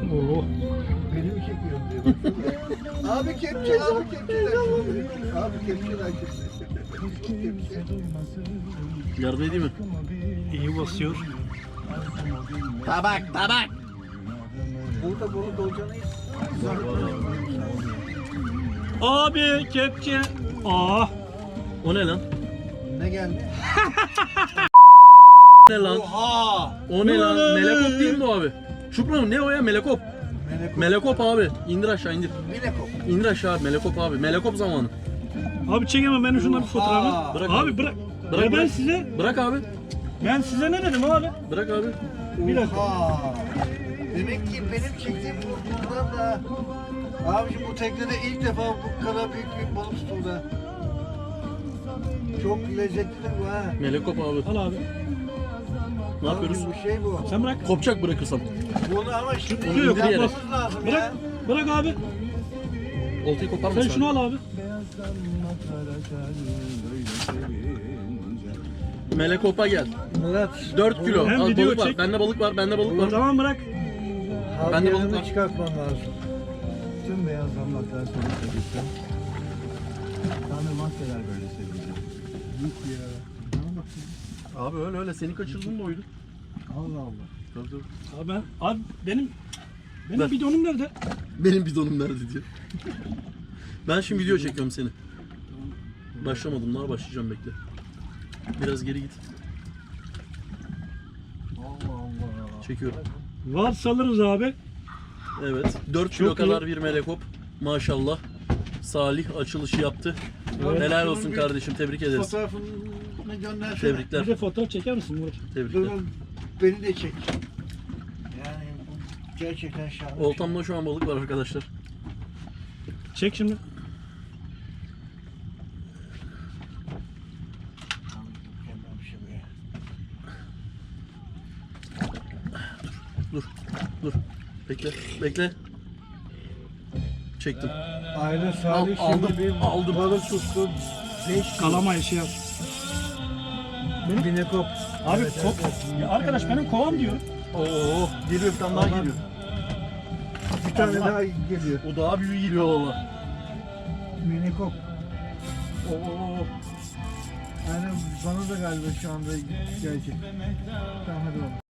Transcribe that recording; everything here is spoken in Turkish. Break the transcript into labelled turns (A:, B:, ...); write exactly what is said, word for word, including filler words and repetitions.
A: Oo.
B: Beni mi çekiyorsun diye baksana. Abi kepçe, abi kepçeler şimdi. Abi kepçeler şimdi. Kepçe.
C: Yardım edeyim mi?
A: İyi basıyor.
C: Tabak tabak.
B: Burada balık olacağını
A: Abi kepçe. Aa.
C: O ne lan?
B: ne geldi?
C: Ne lan?
B: Oha!
C: O ne lan? Melekop değil mi bu abi? Şükran ne o ya? Melekop.
B: Melekop.
C: Melekop abi. İndir aşağı indir.
B: Melekop.
C: İndir aşağı abi. Melekop abi. Melekop zamanı.
A: Abi çekemem benim şundan bir fotoğrafı.
B: Oha.
C: Bırak
A: Abi
C: abi.
A: bırak.
C: Bırak,
A: ya ben
C: bırak.
A: size
C: Bırak abi.
A: ben size ne dedim abi?
C: Bırak abi.
A: Bir dakika.
B: Oha! Demek ki benim çektiğim bundan da... Abiciğim bu teknede ilk defa bu kadar büyük bir balık tutuldu. Çok lezzetlidir bu ha.
C: Melekop abi.
A: Al abi.
C: Ne yapıyoruz?
B: Abi bu şey bu.
A: Sen bırak.
C: Kopacak bırakırsam.
B: Bunu ama şimdi
A: Tutuyor,
B: yapmamız
A: kopmaz.
B: lazım
A: Bırak.
B: ya.
A: Bırak abi.
C: Oltayı kopar mısın?
A: Sen şunu al abi.
C: Melekop'a gel.
B: Murat.
C: dört kilo.
A: Hem
C: Al,
A: video
C: balık var.
A: çek.
C: Bende balık var. Bende balık var.
A: Tamam bırak.
C: Ben de balık
B: Havyanını
C: var.
B: çıkartmam lazım.
D: Tüm beyaz damlaklar seni seviştim. Tanrı mahveder böyle sevinci.
B: Yok ya. Bana bak.
C: Abi öyle öyle. Seni kaçırdım da oydu.
B: Allah Allah.
C: Tabii tabii.
A: Abi ben abi benim benim
C: Ver.
A: bidonum nerede?
C: Benim bidonum nerede diyor. Ben şimdi video çekiyorum seni. Başlamadım daha başlayacağım bekle. Biraz geri git.
B: Allah Allah.
C: Çekiyorum.
A: Var salırız abi.
C: Evet. dört kilo
A: Çok
C: kadar
A: iyi.
C: bir melekop. Maşallah. Salih açılışı yaptı.
A: Evet.
C: Helal olsun kardeşim. Tebrik ederiz.
B: Fotoğrafını göndersene.
A: Bir
C: Tebrikler.
A: de fotoğraf çeker misin Murat?
C: Tebrikler.
B: Dur, beni de çek. Yani bu gerçekten şahane. bir şey.
C: Oltamda şu an balık var arkadaşlar.
A: Çek şimdi.
B: Mükemmel bir şey bu ya.
C: Dur. Dur. Bekle. Bekle. Çektim.
B: Aile Salih
C: Al-
B: şimdi
C: aldım,
B: bir
C: aldım.
B: balık tuttu. beş
A: Kalama işi yap.
B: Binekop.
A: Abi
B: Evet,
A: kop.
B: evet, evet.
A: Ya arkadaş benim kovam diyor.
C: Oo, geliyor bir tane daha geliyor.
B: Bir tane daha geliyor.
C: O daha büyüğü geliyor valla.
B: Minikop.
C: Oo.
B: Yani bana da galiba şu anda gelecek. Tamam hadi oğlum.